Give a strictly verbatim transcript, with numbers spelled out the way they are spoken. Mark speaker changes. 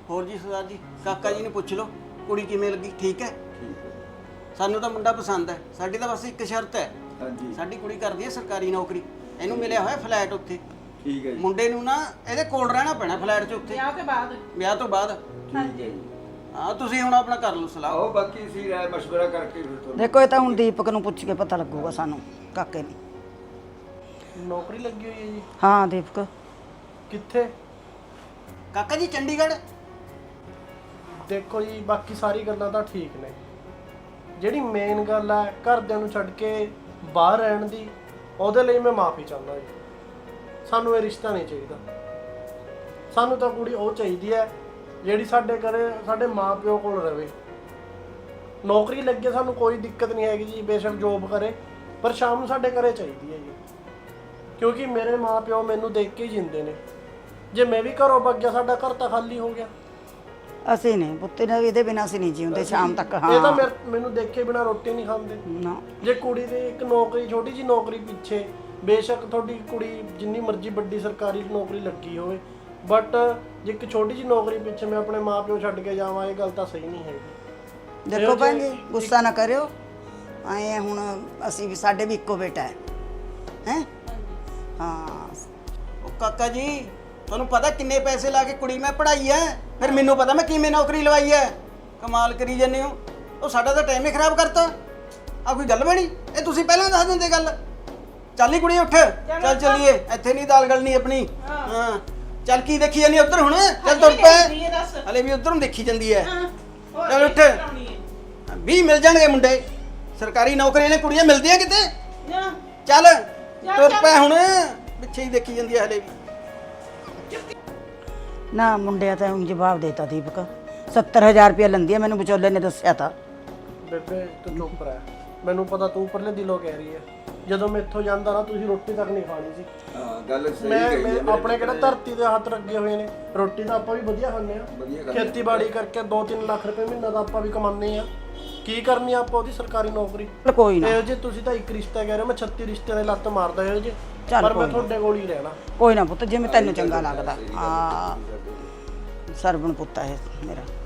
Speaker 1: ਹੋਰ ਜੀ ਸਰਦਾਰ ਜੀ ਕਾਕਾ ਜੀ ਨੂੰ ਪੁੱਛ ਲਓ ਕੁੜੀ ਕਿਵੇਂ ਲੱਗੀ ਠੀਕ ਹੈ ਸਾਨੂੰ ਤਾਂ ਮੁੰਡਾ ਪਸੰਦ ਹੈ ਸਾਡੀ ਤਾਂ ਬਸ ਇੱਕ ਸ਼ਰਤ ਹੈ
Speaker 2: ਹਾਂਜੀ
Speaker 1: ਸਾਡੀ ਕੁੜੀ ਕਰਦੀ ਹੈ ਸਰਕਾਰੀ ਨੌਕਰੀ ਇਹਨੂੰ ਮਿਲਿਆ ਹੋਇਆ ਫਲੈਟ ਉੱਥੇ
Speaker 2: ਠੀਕ ਹੈ ਜੀ
Speaker 1: ਮੁੰਡੇ ਨੂੰ ਨਾ ਇਹਦੇ ਕੋਲ ਰਹਿਣਾ ਪੈਣਾ ਫਲੈਟ 'ਚ ਉੱਥੇ
Speaker 3: ਵਿਆਹ ਤੋਂ ਬਾਅਦ
Speaker 1: ਵਿਆਹ ਤੋਂ ਬਾਅਦ
Speaker 2: ਠੀਕ ਹੈ ਜੀ
Speaker 1: ਹਾਂ ਤੁਸੀਂ ਹੁਣ ਆਪਣਾ ਕਰ ਲਓ ਸਲਾਹ
Speaker 2: ਆਓ ਬਾਕੀ ਅਸੀਂ ਰਾਏ ਮਸ਼ਵਰਾ ਕਰਕੇ ਫਿਰ ਤੁਹਾਨੂੰ
Speaker 4: ਦੇਖੋ ਇਹ ਤਾਂ ਹੁਣ ਦੀਪਕ ਨੂੰ ਪੁੱਛ ਕੇ ਪਤਾ ਲੱਗੂਗਾ ਸਾਨੂੰ ਕਾਕੇ ਨੂੰ
Speaker 5: ਨੌਕਰੀ ਲੱਗੀ ਹੋਈ ਹੈ ਜੀ
Speaker 4: ਹਾਂ ਦੀਪਕ
Speaker 5: ਕਿੱਥੇ?
Speaker 1: ਕਾਕਾ ਜੀ ਚੰਡੀਗੜ੍ਹ
Speaker 5: ਦੇਖੋ ਜੀ ਬਾਕੀ ਸਾਰੀ ਗੱਲਾਂ ਤਾਂ ਠੀਕ ਨੇ ਜਿਹੜੀ ਮੇਨ ਗੱਲ ਹੈ ਘਰਦਿਆਂ ਨੂੰ ਛੱਡ ਕੇ ਬਾਹਰ ਰਹਿਣ ਦੀ ਉਹਦੇ ਲਈ ਮੈਂ ਮਾਫੀ ਚਾਹੁੰਦਾ ਜੀ ਸਾਨੂੰ ਇਹ ਰਿਸ਼ਤਾ ਨਹੀਂ ਚਾਹੀਦਾ ਸਾਨੂੰ ਤਾਂ ਕੁੜੀ ਉਹ ਚਾਹੀਦੀ ਹੈ ਜਿਹੜੀ ਸਾਡੇ ਘਰੇ ਸਾਡੇ ਮਾਪਿਓ ਕੋਲ ਰਵੇ ਨੌਕਰੀ ਲੱਗੇ ਸਾਨੂੰ ਕੋਈ ਦਿੱਕਤ ਨਹੀਂ ਹੈਗੀ ਜੀ ਬੇਸ਼ੱਕ ਜੋਬ ਕਰੇ ਪਰ ਸ਼ਾਮ ਨੂੰ ਸਾਡੇ ਘਰੇ ਚਾਹੀਦੀ ਹੈ ਜੀ ਕਿਉਂਕਿ ਮੇਰੇ ਮਾਪਿਓ ਮੈਨੂੰ ਦੇਖ ਕੇ ਹੀ ਜਿੰਦੇ ਨੇ ਜੇ ਮੈਂ ਵੀ ਘਰੋਂ ਭੱਜ ਗਿਆ ਸਾਡਾ ਘਰ ਤਾਂ ਖਾਲੀ ਹੋ ਗਿਆ
Speaker 4: ਅਸੀਂ ਨਹੀਂ ਪੁੱਤੇ ਨੇ ਇਹਦੇ ਬਿਨਾਂ ਅਸੀਂ ਨਹੀਂ ਜਿਉਂਦੇ ਸ਼ਾਮ ਤੱਕ
Speaker 5: ਇਹ ਤਾਂ
Speaker 4: ਹਾਂ
Speaker 5: ਮੇਰੇ- ਮੈਨੂੰ ਦੇਖੇ ਬਿਨਾ ਰੋਟੀ ਨਹੀਂ ਖਾਂਦੇ
Speaker 4: ਨਾ
Speaker 5: ਜੇ ਕੁੜੀ ਦੀ ਇੱਕ ਨੌਕਰੀ ਛੋਟੀ ਜੀ ਨੌਕਰੀ ਪਿੱਛੇ ਬੇਸ਼ੱਕ ਤੁਹਾਡੀ ਕੁੜੀ ਜਿੰਨੀ ਮਰਜ਼ੀ ਵੱਡੀ ਸਰਕਾਰੀ ਨੌਕਰੀ ਲੱਗੀ ਹੋਵੇ ਬਟ ਜੇ ਇੱਕ ਛੋਟੀ ਜੀ ਨੌਕਰੀ ਪਿੱਛੇ ਮੈਂ ਆਪਣੇ ਮਾਪਿਓ ਛੱਡ ਕੇ ਜਾਵਾਂ ਇਹ ਗੱਲ ਤਾਂ ਸਹੀ ਨਹੀਂ ਹੈਗੀ
Speaker 4: ਦੇਖੋ ਭੈਣ ਜੀ ਗੁੱਸਾ ਨਾ ਕਰਿਓ ਆਏ ਹੁਣ ਅਸੀਂ ਵੀ ਸਾਡੇ ਵੀ ਇੱਕੋ ਬੇਟਾ ਹੈ ਹੈ ਹਾਂ
Speaker 1: ਉਹ ਕਾਕਾ ਜੀ ਤੁਹਾਨੂੰ ਪਤਾ ਕਿੰਨੇ ਪੈਸੇ ਲਾ ਕੇ ਕੁੜੀ ਮੈਂ ਪੜਾਈ ਐ ਫਿਰ ਮੈਨੂੰ ਪਤਾ ਮੈਂ ਕਿਵੇਂ ਨੌਕਰੀ ਲਵਾਈ ਐ ਕਮਾਲ ਕਰੀ ਜਾਂਦੇ ਹੋ ਉਹ ਸਾਡਾ ਤਾਂ ਟਾਈਮ ਹੀ ਖਰਾਬ ਕਰਤਾ ਆ ਕੋਈ ਗੱਲ ਬਣੀ ਇਹ ਤੁਸੀਂ ਪਹਿਲਾਂ ਦੱਸ ਦਿੰਦੇ ਗੱਲ ਚੱਲ ਹੀ ਕੁੜੀ ਉੱਠ ਚੱਲ ਚੱਲੀਏ ਇੱਥੇ ਨਹੀਂ ਦਾਲ ਗਲਣੀ ਆਪਣੀ ਹਾਂ ਚੱਲ ਕੀ ਦੇਖੀ ਜਾਂਦੀ ਉੱਧਰ ਹੁਣ ਚੱਲ ਤੁਰ ਪੈ ਹਲੇ ਵੀ ਉੱਧਰ ਨੂੰ ਦੇਖੀ ਜਾਂਦੀ ਐ ਚੱਲ ਉੱਠ ਵੀਹ ਮਿਲ ਜਾਣਗੇ ਮੁੰਡੇ ਸਰਕਾਰੀ ਨੌਕਰੀਆਂ ਨੇ ਕੁੜੀਆਂ ਮਿਲਦੀਆਂ ਕਿਤੇ ਚੱਲ ਤੁਰ ਪੈ ਹੁਣ ਪਿੱਛੇ ਹੀ ਦੇਖੀ ਜਾਂਦੀ ਐ ਹਲੇ ਵੀ
Speaker 4: ਨਾ ਮੁੰਡਿਆ ਤਾਂ ਹੁਣ ਜਵਾਬ ਦੇਤਾ ਦੀਪਕ ਸੱਤਰ ਹਜ਼ਾਰ ਰੁਪਇਆ ਲੈਂਦੀ ਆ ਮੈਨੂੰ ਵਿਚੋਲੇ ਨੇ ਦੱਸਿਆ ਤਾਂ
Speaker 5: ਬੇਬੇ ਤੂੰ ਚੁੱਪ ਰਹਿ ਮੈਨੂੰ ਪਤਾ ਤੂੰ ਉੱਪਰਲੇ ਦਿਲੋਂ ਕਹਿ ਰਹੀ ਹੈ ਜਦੋਂ ਮੈਂ ਇੱਥੋਂ ਜਾਂਦਾ ਨਾ ਤੁਸੀਂ ਰੋਟੀ ਤੱਕ ਨਹੀਂ ਖਾਣੀ ਸੀ
Speaker 2: ਹਾਂ ਗੱਲ ਸਹੀ
Speaker 5: ਮੈਂ
Speaker 2: ਕਹੀ
Speaker 5: ਮੈਂ
Speaker 2: ਹੈ
Speaker 5: ਆਪਣੇ ਕਿਹੜਾ ਧਰਤੀ ਦੇ ਹੱਥ ਲੱਗੇ ਹੋਏ ਨੇ ਰੋਟੀ ਤਾਂ ਆਪਾਂ ਵੀ ਵਧੀਆ ਖਾਂਦੇ ਆ
Speaker 2: ਵਧੀਆ ਗੱਲ ਹੈ।
Speaker 5: ਖੇਤੀਬਾੜੀ ਕਰਕੇ ਦੋ ਤਿੰਨ ਲੱਖ ਰੁਪਏ ਮਹੀਨਾ ਦਾ ਆਪਾਂ ਵੀ ਕਮਾਉਂਦੇ ਆ ਕੀ ਕਰਨੀ ਆ ਆਪਾਂ ਉਹਦੀ ਸਰਕਾਰੀ ਨੌਕਰੀ
Speaker 4: ਚੱਲ ਕੋਈ ਨਾ
Speaker 5: ਇਹੋ ਜੇ ਤੁਸੀਂ ਤਾਂ ਇੱਕ ਰਿਸ਼ਤਾ ਕਹਿ ਰਹੇ ਹੋ ਮੈਂ ਛੱਤੀ ਰਿਸ਼ਤੇ ਦੇ ਲੱਤ ਮਾਰਦਾ ਇਹੋ ਜੇ
Speaker 4: ਚੱਲ
Speaker 5: ਪਰ ਮੈਂ
Speaker 4: ਕੋਈ
Speaker 5: ਤੁਹਾਡੇ ਕੋਲ ਹੀ ਰਹਿਣਾ
Speaker 4: ਕੋਈ ਨਾ ਪੁੱਤ ਜਿਵੇਂ ਤੈਨੂੰ ਚੰਗਾ ਲੱਗਦਾ ਹਾਂ ਸਰਵਣ ਪੁੱਤ ਹੈ ਮੇਰਾ